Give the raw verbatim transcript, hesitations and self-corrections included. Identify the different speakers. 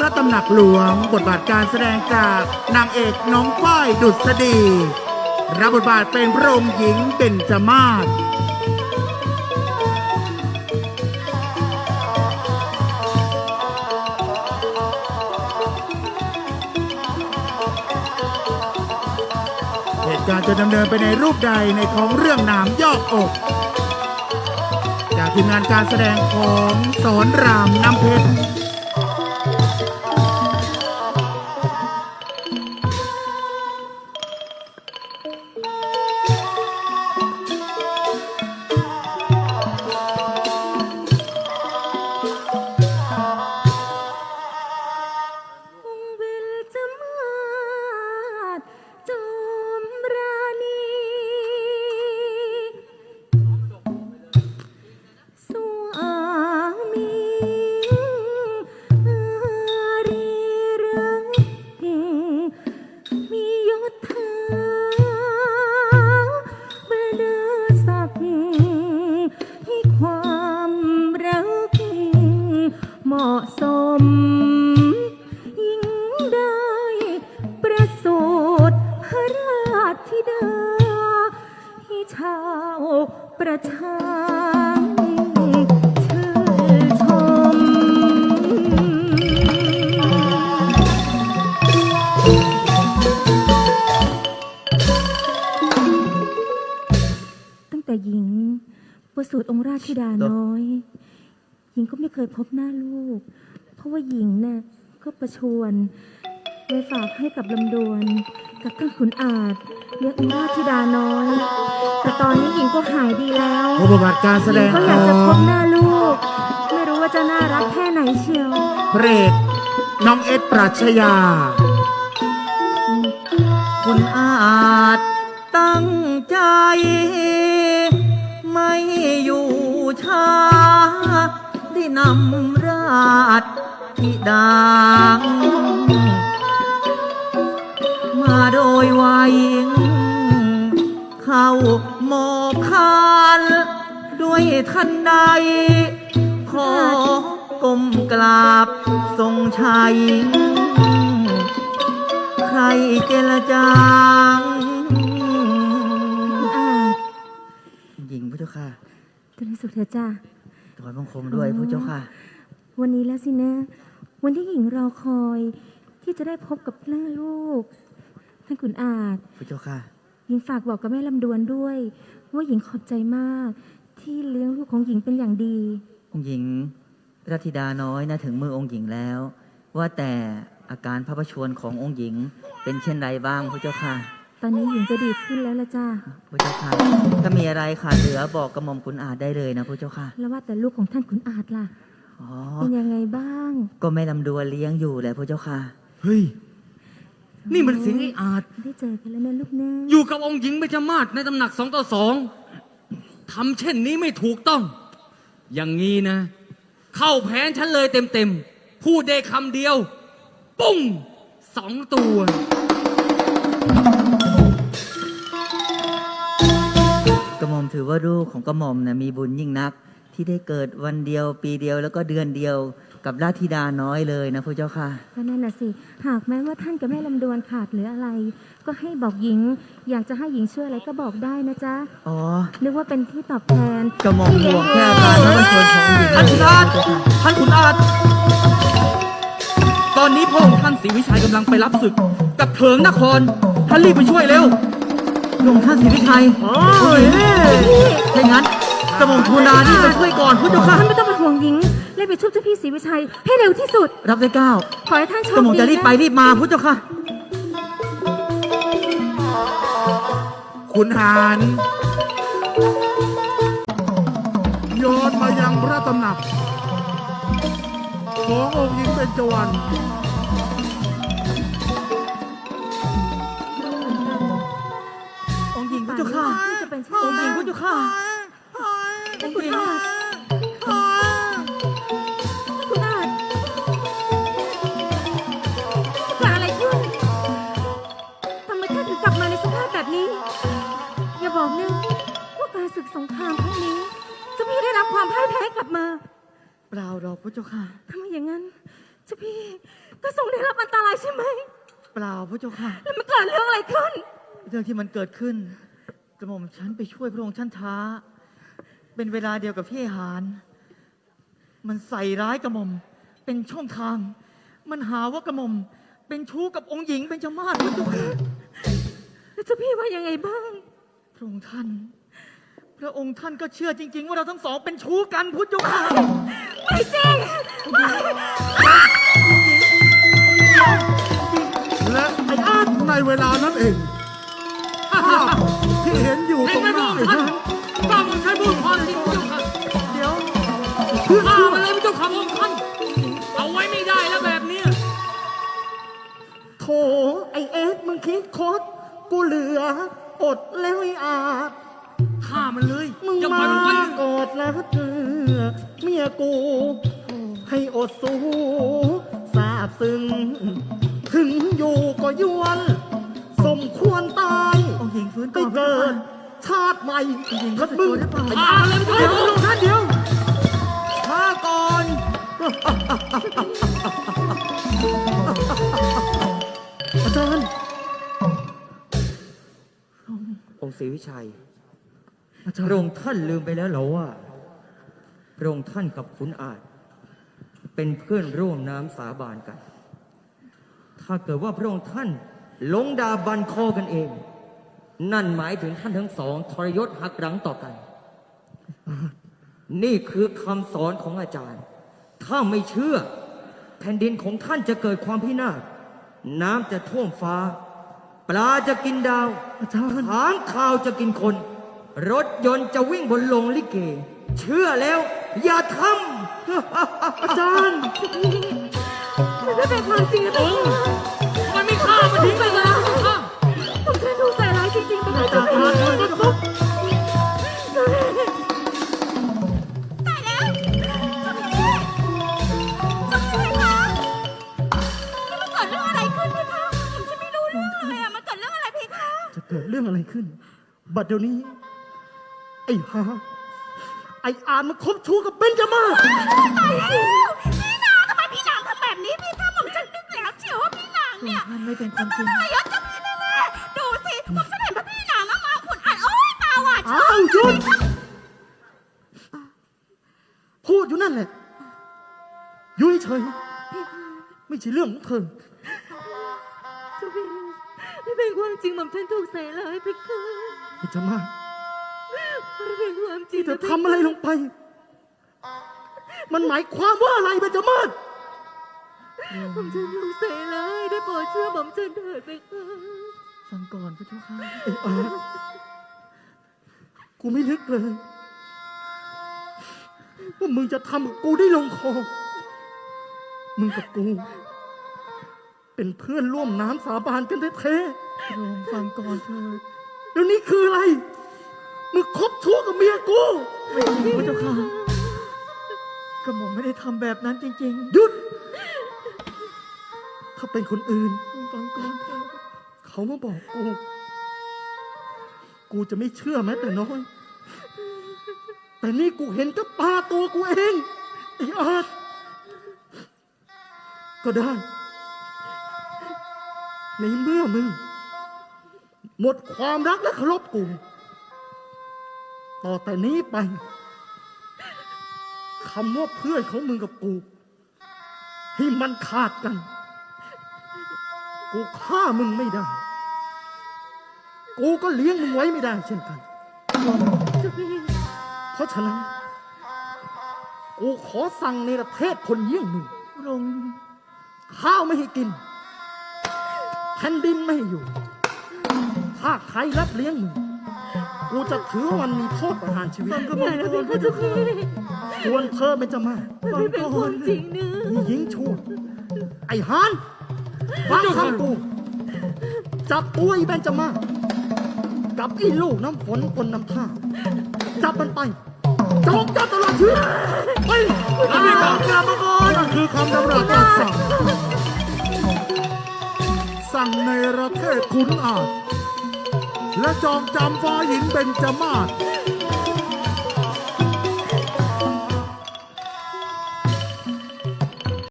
Speaker 1: ระตำหนักหลวงบทบาทการแสดงจากนางเอกน้องฝ้ายดุษฎีรับบทบาทเป็นพระองค์หญิงเบญจมาศเหตุการณ์จะดำเนินไปในรูปใดในของเรื่องหนามยอกอกจากทีมงานการแสดงของสอนรามน้ำเพชร
Speaker 2: ประชาชื่นชมตั้งแต่หญิงประสูติองค์ราชธิดาน้อยหญิงก็ไม่เคยพบหน้าลูกเพราะว่าหญิงน่ะก็ประชวรไว้ฝากให้กับลำดวนกับท่านขุนอาจเรียกองค์ราชธิดาน้อยแต่ตอนนี้หญิงก็หายดีแล้ว
Speaker 1: บทบาทการแสดง
Speaker 2: ก็อยากจะพบหน้าลูกไม่รู้ว่าจะน่ารักแค่ไหนเชียว
Speaker 1: พระเอกน้องเอสปรัชญา
Speaker 3: คุณอาจตั้งใจไม่อยู่ช้าได้นำราชธิดามาโดยไวัยเข้าโมคานด้วยทันใดขอกลมกราบทรงชัยใครเจรจางหญิงพระเจ้าค่ะ
Speaker 2: ตัวนี้สุดเถอะจ้า
Speaker 3: ถอยบังคมด้วยพระเจ้าค่ะ
Speaker 2: วันนี้แล้วสินะวันที่หญิงรอคอยที่จะได้พบกับหน้าลูกท่านขุนอาจ
Speaker 3: พระเจ้าค่ะ
Speaker 2: หญิงฝากบอกกับแม่ลำดวนด้วยว่าหญิงขอบใจมากที่เลี้ยงลูกของหญิงเป็นอย่างดี
Speaker 3: องค์หญิงรัตธิดาน้อยนะถึงมือองค์หญิงแล้วว่าแต่อาการพระประชวรขององค์หญิงเป็นเช่นไรบ้างพระเจ้าค่ะ
Speaker 2: ตอนนี้หญิงจะดีขึ้นแล้วละจ้า
Speaker 3: พระเจ้าค่ะถ้ามีอะไรขาดเหลือบอกกระหม่อมขุนอาจได้เลยนะพระเจ้าค่ะ
Speaker 2: แล้วว่าแต่ลูกของท่านขุนอาจล่ะเป็นยังไงบ้าง
Speaker 3: ก็แม่ลำดวนเลี้ยงอยู่แหละพระเจ้าค่ะ
Speaker 4: เฮ้ยนี่มันเสียงไอ้อาจ
Speaker 2: ได้เจอกันแล้วนะลูกนะ
Speaker 4: อยู่กับองค์หญิงเบญจมาศในตำหนักสองต่อสองทำเช่นนี้ไม่ถูกต้องอย่างงี้นะเข้าแผนฉันเลยเต็มๆพูดได้คำเดียวปุ้งสองตัว
Speaker 3: กระหม่อมถือว่าลูกของกระหม่อมนะมีบุญยิ่งนักที่ได้เกิดวันเดียวปีเดียวแล้วก็เดือนเดียวกับราชธิดาน้อยเลยนะพระเจ้าค่ะ
Speaker 2: ก็นั่นน่ะสิหากแม้ว่าท่านกับแม่ลำดวนขาดหรืออะไรก็ให้บอกหญิงอยากจะให้หญิงช่วยอะไรก็บอกได้นะจ๊ะ
Speaker 3: อ๋อ
Speaker 2: นึกว่าเป็นที่ตอบแทน
Speaker 3: กระหม่อมห่วงแค่การพระประชวรของหญิง
Speaker 4: ท่านขุนอาจท่านขุนอาจตอนนี้พระองค์ท่านศรีวิชัยกำลังไปรับศึกกับเถิงนครท่านรีบไปช่วยเร็ว
Speaker 3: พระองค์ท่านศรีวิชัยโอ้ยถ้างั้นกระหม่อมทูลลาที่จะช่วยก่อนพระเจ้าค่ะ
Speaker 2: ท่านไม่ต้องเป็นห่วงหญิงรีบไปช่วยเจ้าพี่ศรีวิชัยให้เร็วที่สุด
Speaker 3: รับได้เก้า
Speaker 2: ขอให้ท่านโชคดี
Speaker 3: กระหม่อมจะรีบไปรีบมาพระเจ้าค่ะ
Speaker 1: ขุนหารย้อนมายังพระตำหนักขององค์หญิงเบญจวรรณ
Speaker 3: องค์หญิงพระเจ้าค่ะองค์หญิงพระเจ้าค่ะ
Speaker 2: องค์หญิงคุณอาจเกิดอะไรขึ้นทำไมท่านถึงกลับมาในสภาพแบบนี้อย่าบอกนะว่าการศึกสงครามครั้งนี้จะไม่ได้รับความพ่ายแพ้กลับมา
Speaker 3: เปล่าหรอกพระเจ้าค่ะ
Speaker 2: ทำไมอย่างนั้นเจ้าพี่ก็ทรงได้รับอันตรายใช่ไหม
Speaker 3: เปล่าพระเจ้าค่ะ
Speaker 2: แล้วมันเกิดเรื่องอะไรขึ้น
Speaker 3: เรื่องที่มันเกิดขึ้นกระหม่อมฉันไปช่วยพระองค์ท่านช้า เป็นเวลาเดียวกับที่ไอ้หานมันใส่ร้ายกระหม่อมเป็นช่องทาง มันหาว่ากระหม่อมเป็นชู้กับองค์หญิงเป็นจมาศพระเจ้าค่ะ
Speaker 2: แล้วเจ้าพี่ว่ายังไงบ้าง
Speaker 3: พระองค์ท่าน พระองค์ท่านก็เชื่อจริง ๆ ว่าเราทั้งสองเป็นชู้กันพุทธเจ้าค่ะ
Speaker 2: ไม่จริง
Speaker 1: และไอ้อาร์ตในเวลานั้นเองภาพที่เห็นอยู่
Speaker 4: เห็
Speaker 1: ต
Speaker 4: น
Speaker 1: รง
Speaker 4: ไหม
Speaker 1: ห
Speaker 4: พระ
Speaker 1: น้า
Speaker 4: องค์
Speaker 1: ไอ้
Speaker 4: ท่าน
Speaker 1: นั้น
Speaker 4: กล้ามันใช้พูดความจริงพระเจ้าค่ะ
Speaker 3: เดี๋ยว
Speaker 4: ฆ่ามันเลยพระเจ้าค่ะพระองค์ท่านเอาไว้ไม่ได้แล้วแบบเนี้ย
Speaker 3: โถไอเอ็กมึงคิดคดกูเหลืออดแล้วไอ้อาจ
Speaker 4: ฆ่ามันเลย
Speaker 3: มึง
Speaker 4: อย่าปล่
Speaker 3: มา
Speaker 4: อยมันไว้
Speaker 3: กอดแล้วเธอเมียกู ให้อดสู้สาบซึ้งถึงอยู่ก็ยวน สมควรตายไปเกิด ชาติใหม่ถ้ามึง
Speaker 4: ฆ่ามันเลยพระ
Speaker 3: เดี๋ยว
Speaker 4: เจ้า
Speaker 3: ลง
Speaker 4: ค่ะ
Speaker 3: ท่านเดียวช้าก่อน อาจารย์
Speaker 5: องค์ศรีวิชัย
Speaker 3: อาจาร
Speaker 5: พระอ
Speaker 3: ย์
Speaker 5: งค์ท่านลืมไปแล้วเหรอว่าพระองค์ท่านกับขุนอาจ เป็นเพื่อนร่วมน้ำสาบานกัน ถ้าเกิดว่าพระองค์ท่านลงดาบันคอกันเอง นั่นหมายถึงท่านทั้งสองทรยศหักหลังต่อกัน นี่คือคำสอนของอาจารย์ ถ้าไม่เชื่อ แผ่นดินของท่านจะเกิดความพินาศน้ำจะท่วมฟ้า ปลาจะกินดาว
Speaker 3: อาจารย์
Speaker 5: ค้างคาวจะกินคน รถยนต์จะวิ่งบนโลงลิเก เชื่อแล้ว อย่าทำ
Speaker 3: อาจารย์
Speaker 2: มันไม่เป็นความจริงนะ
Speaker 4: โอ้ทำไมไม่ฆ่ามันทิ้งไปเลยนะพระเจ้าค่ะ
Speaker 2: ผมเคยถูกใส่ร้ายจริงๆไปเลย
Speaker 3: อา
Speaker 2: เจ้า
Speaker 3: จารย์
Speaker 2: พี่
Speaker 3: มาเลย
Speaker 2: ตายแล้วเจ้าพี่เจ้าพี่คะนี่มันเกิดเรื่องอะไรขึ้นพี่คะผมจะไม่รู้เรื่องเลยอะมันเกิดเรื่องอะไรพี่คะ
Speaker 3: จะเกิดเรื่องอะไรขึ้น บัดเดี๋ยวนี้ ไอ้ฮาไอ้อานมันคบชู้กับเบนจามาศ
Speaker 2: ตายแล้วพี่นางทำไมพี่นางทำแบบนี้พี่คะผมจะนึกแล้วเชียวว่าพี่นางเนี่ย
Speaker 3: มันไม่เป็นความจริง
Speaker 2: อะไรยศเจ้าพี่แน่ๆดูสิผมจะเห็นพระพี่นางมามาขุนอ่านโอ๊ยตาหวาน
Speaker 3: อ้าวหยุดพูดอยู่นั่นแหละอยุ่ยเฉยไม่ใช่เรื่องของเธอ
Speaker 2: เจ้าพี่ไม่เป็นความจริงผมฉันถูกใส่ร้ายพี่คะ
Speaker 3: เบนจามาศ
Speaker 2: ไม่เป็นความจริง
Speaker 3: ที่เธอทำอะไรลงไป มันหมายความว่าอะไรเบนจามาศ
Speaker 2: ผมฉันถูกใส่ร้ายได้โปรดเชื่อผมฉันเถิดพี่คะ
Speaker 3: ฟังก่อนพระเจ้าค่ะไอ้อาร์ตกูไม่นึกเลยว่ามึงจะทำกับกูได้ลงคอ มึงกับกู เป็นเพื่อนร่วมน้ำสาบานกันแท้ๆลองฟังก่อนเถิดแล้วนี่คืออะไร มึงคบชู้กับเมียกูพระเจ้าค่ะกระหม่อมไม่ได้ทำแบบนั้นจริงๆ หยุด ถ้าเป็นคนอื่นฟังก่อนเถิดเขามาบอกกู กูจะไม่เชื่อแม้แต่น้อย แต่นี่กูเห็นกับตาตัวกูเองไอ้อาร์ตก็ได้ ในเมื่อมึง หมดความรักและเคารพกู ต่อแต่นี้ไปคำว่าเพื่อนของมึงกับกู ให้มันขาดกัน กูฆ่ามึงไม่ได้ กูก็เลี้ยงมึงไว้ไม่ได้เช่นกัน เพราะฉะนั้น กูขอสั่งในประเทศคนเยี่ยงมึงลงข้าวไม่ให้กิน แผ่นดินไม่ให้อยู่ ถ้าใครรับเลี้ยงมึง กูจะถือว่ามันมีโทษประหารชีวิต
Speaker 2: อย่านะพี่คะเจ้าพี่
Speaker 3: ส่วนเธอเป็นจะมา
Speaker 2: มันไม่เป็นความจริงนะ
Speaker 3: อีหญิงชั่ว ไอ้ฮานฟังคำกู จับตัวไอ้เบนจามาศกับไอ้ลูกน้ำฝนคนน้ำท่า จับมันไปจงจับตลอดชีวิตไปแล้วนี่ของกลับมาก่อน
Speaker 1: นั่นคือคำดำรัสจากสั่ง สั่งในประเทศขุนอาจและจองจำฟ้าหญิงเป็นจมาศ